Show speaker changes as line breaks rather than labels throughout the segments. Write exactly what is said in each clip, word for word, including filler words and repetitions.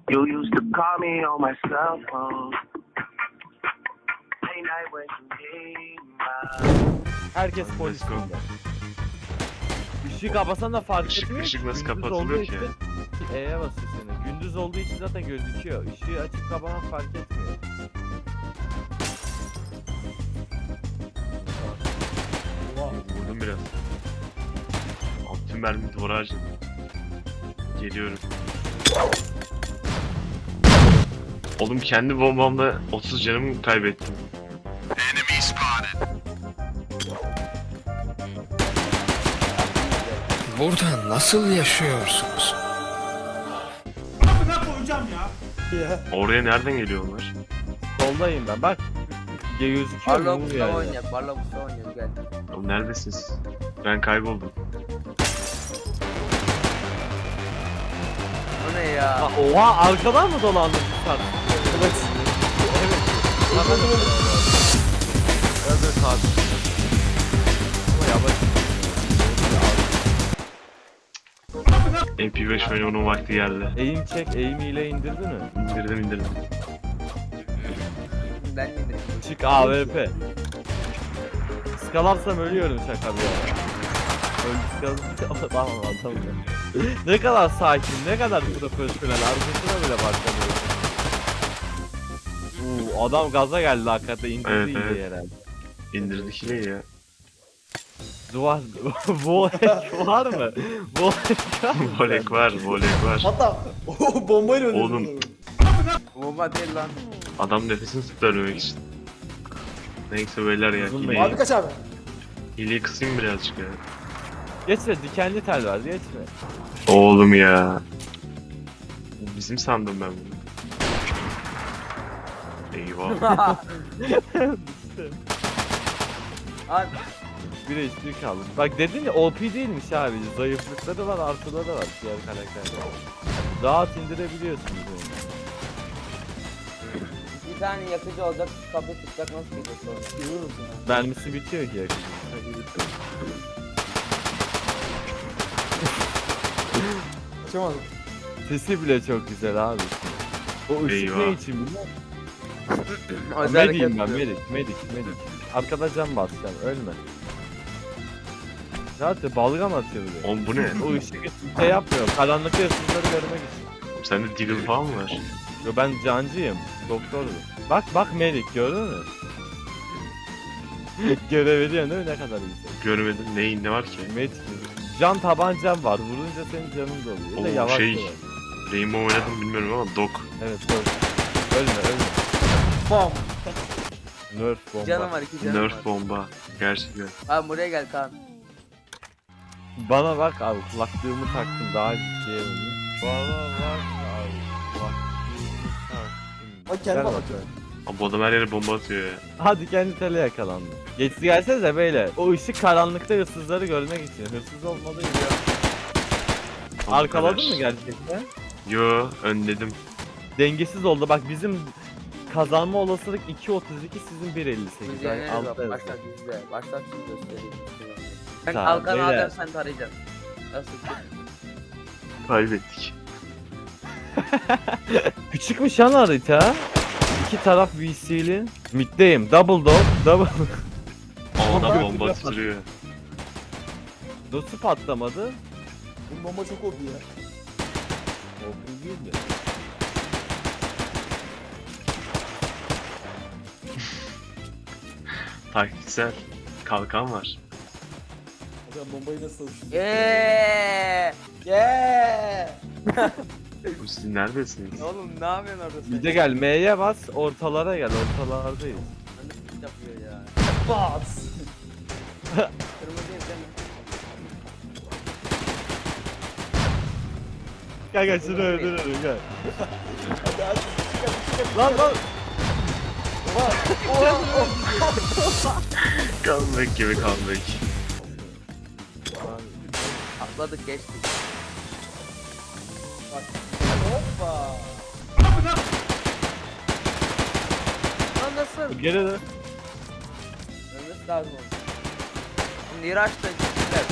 You used to call me on my cell phone. Late night when you need my...
Herkes
Let's
polis
go.
burada. Işığı kapasan da fark
Işık-
etmiyor.
ışık
ki.
nasıl
Gündüz
kapatılıyor
olduğu
ki?
için E'ye basıyor seni. Gündüz olduğu için zaten gözüküyor. Işığı açıp kapaman fark etmiyor.
Vurdum biraz. Altı mermi duvara harcadım. Geliyorum. Oğlum kendi bombamla otuz canımı kaybettim.
Burada nasıl yaşıyorsunuz?
Oraya nereden geliyor onlar?
Soldayım ben bak. Gözüküyor
Barla
mu
Mustafa
yani?
oynayak, Barla Mustafa oynayak gel.
Oğlum neredesiniz? Ben kayboldum.
O ne ya?
Ha, oha arkadan mı dolandın sen? Evet. Evet. Tamam. Evet abi. Ama yavaş.
M P beş oynamanın vakti geldi.
Eğim çek, eğim ile indirdin mi?
İndirdim indirdim.
Ben de
Çık A W P. Skalarsam ölüyorum şaka bir yana. Öldü skalasam tamam tamam. Ne kadar sakin, ne kadar profesyonel. Arkasına bile bakamıyorum. Uuu adam gaza geldi hakikaten indirdi
Evet,
iyice
evet.
herhalde.
İndirdik yine ya.
Duvar, volek var mı? Volek var mı?
Volek var, volek var.
Hatta o bombayla öldürdüm.
Oğlum.
adamı.
bomba değil lan.
Adam nefesini tutturmak için. Neyse beyler ya.
Uzun
Hileyi,
Abi kaç abi?
hileyi kısayım birazcık ya.
Geçme dikenli tel var geçme.
Oğlum ya. Bizim sandım ben bunu. Eyvah.
Abi
Bir H P kaldı. Bak dedin ya O P değilmiş abi. Zayıflıkları var artıları var diğer karakterler. Rahat indirebiliyorsunuz onu.
bir tane yakıcı olacak, kapı tutacak nasıl gidecek sonra?
Yürür müsün ya?
Mermisi bitiyor ki yakın.
Kaçamadım.
Sesi bile çok güzel abi. O ışık
Eyvah.
ne için biliyor musun?
Özel
Mediyim ben
hareket yapıyor.
medik medik medik. Arkada can basacaksın ölme. Zaten balgam atıyor bile.
Oğlum bu ne?
O ışık şey yapmıyor. Karanlıkta hırsızları görmek için.
Oğlum sende deagle falan mı var?
Yo ben cancıyım. Doktorum. Bak bak medik gördün mü? Görev ediyorsun değil mi ne kadar güzel.
Görmedim. Neyin ne var ki?
Medik. Can tabancam var. Vurunca senin canın doluyor. Bir de
Oo,
yavaş
şey-
doluyor.
Rainbow oynadım bilmiyorum ama dog.
Evet doğru. Ölme ölme.
Bam.
Nerf bomba.
Canım var, iki canım var.
Nerf bomba. Gerçekten.
Abi buraya gel Kaan.
Bana bak abi kulaklığımı taktım daha ciddiye bunu. Bana bak abi kulaklığımı taktım.
Bak kendime
Gel
bak.
bakalım.
Abi bu adam her yere bomba atıyor ya.
Hadi kendi tele yakalandı. Geçti gelsenize beyler. O ışık karanlıkta hırsızları görmek için. Hırsız olmadı gibi.
O
Arkaladın
kadar.
mı gerçekten?
Yo önledim.
Dengesiz oldu. Bak bizim kazanma olasılık iki otuz iki sizin bir elli sekiz.
Biz yeneriz
Altta
bak.
yazıyor.
Başlat bizde. Başlat şimdi göstereyim. Ben
Tamam,
kalkanı
beyler.
alacağım sen tarayacaksın. Nasıl?
Kaybettik.
Küçükmüş lan harita. İki taraf V C'li. Mid'deyim. Double dog. Double.
Ama adam bomba atıyor.
Nasıl patlamadı?
Bu bomba çok oldu ya.
O değildi.
Taktiksel. Kalkan var.
Hocam bombayı nasıl savuştun?
Yeee.
Yeah.
Oğlum siz neredesiniz?
Oğlum ne yapıyorsun orada sen?
Mid'e gel. M'ye bas. Ortalara gel. Ortalardayız.
Ne yapıyor ya?
Bats.
Kırmızıyız değil mi?
Gel gel şunu öldürelim gel.
Hadi hadi. Çıkar çıkar.
Lan lan.
Comeback gibi comeback.
Atladık geçtik.
Hoppa.
Lan nasıl?
Geri dön.
Ölmesi lazım oldu. Niraç'ta gittiler.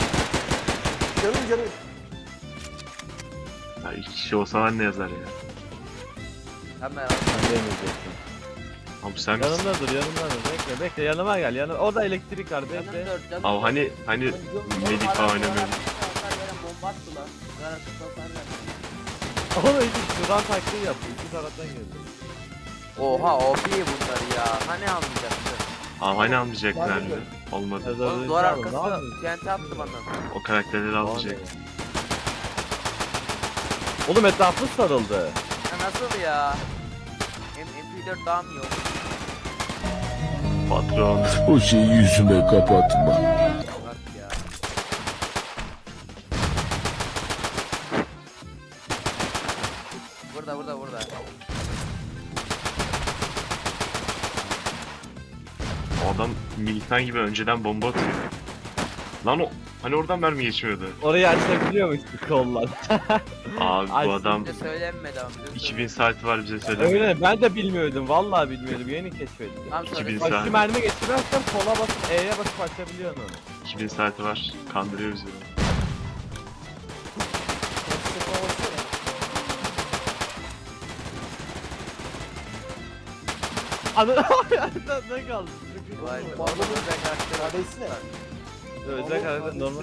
Canım canım.
Ya iki kişi olsa var ne yazar ya.
Hemen
Sen yemeyeceksin.
Abi sen misin?
Yanımda dur yanımda dur. Bekle bekle yanıma gel. Yanıma. Orada elektrik var
Canım
bekle.
dört, canım
Abi
dört.
hani hani
Oğlum, oğlum,
Medik
adam
oynamıyor.
duvar arkasına atar, yere bomba attı lan. Duvar arkasına atar lan.
Oğlum iki şuradan taktiği yaptı. İki taraftan geldi.
Oha O P bunlar ya. Hani almayacaktı?
Abi hani almayacaklardı. Olmadı.
Oğlum duvar arkasına T N T attı bana.
O karakterleri almayacak.
Oğlum etrafı sarıldı.
Ya nasıl ya? M MP dört daha mı yok?
Patron.
O şeyi yüzüme kapatma.
Bak ya. Burada burada burada.
O adam militan gibi önceden bomba atıyor. Lan o hani oradan mermi geçmiyordu.
Orayı açabiliyormuş bu kollar.
Abi
Ay,
bu adam
Bize söylenmedi ama bize
iki bin
söylenmedi.
saati var bize söylemiyor.
Öyle ben de bilmiyordum. Vallahi bilmiyordum. Yeni keşfettim.
Tamam
iki bin
söyle.
saat.
Bak şu mermi geçirmezsen sola basıp E'ye basıp açabiliyorsun onu.
iki bin saati var. Kandırıyor bizi.
Anı ne kaldı?
Vay be. Orada özel karakter var.
Kardeşi ne?
Özel karakter normal.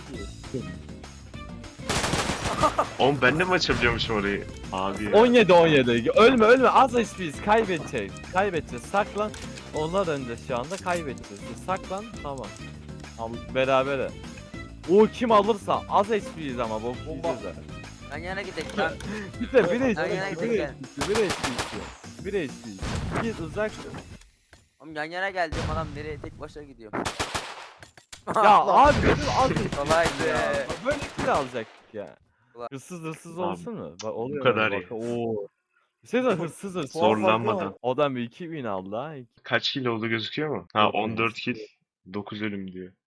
Oğlum ben de mi açabiliyormuşum orayı? Abi ya.
on yedi on yedi. Ölme ölme az H P'yiz. Kaybedeceğiz. Kaybedeceğiz. Saklan. Onlar önde şu anda kaybedeceğiz. Siz saklan tamam. Al berabere. O kim alırsa az H P'yiz ama bok yiyeceğiz ha.
Yan yana gidelim lan.
Bir de bir H
Yan yana
P'yiz. Bir
gidelim.
H P'yiz. Bir H P'yiz. Bir H P'yiz. Git uzak dur.
Oğlum yan yana gel diyorum adam nereye tek başına gidiyor.
Ya abi dedim az H P
Kolaydı.
ya. Böyle kill alacaktık ya.
Kolay.
Hırsız hırsız
Abi,
olsun mu? Bak oluyor.
kadar
bak.
ya.
Oo. Şey de hırsız hırsız.
Zorlanmadan.
Adam bir iki bin aldı ha.
Kaç kill oldu gözüküyor mu? Ha
Yok,
on dört kill. dokuz ölüm diyor.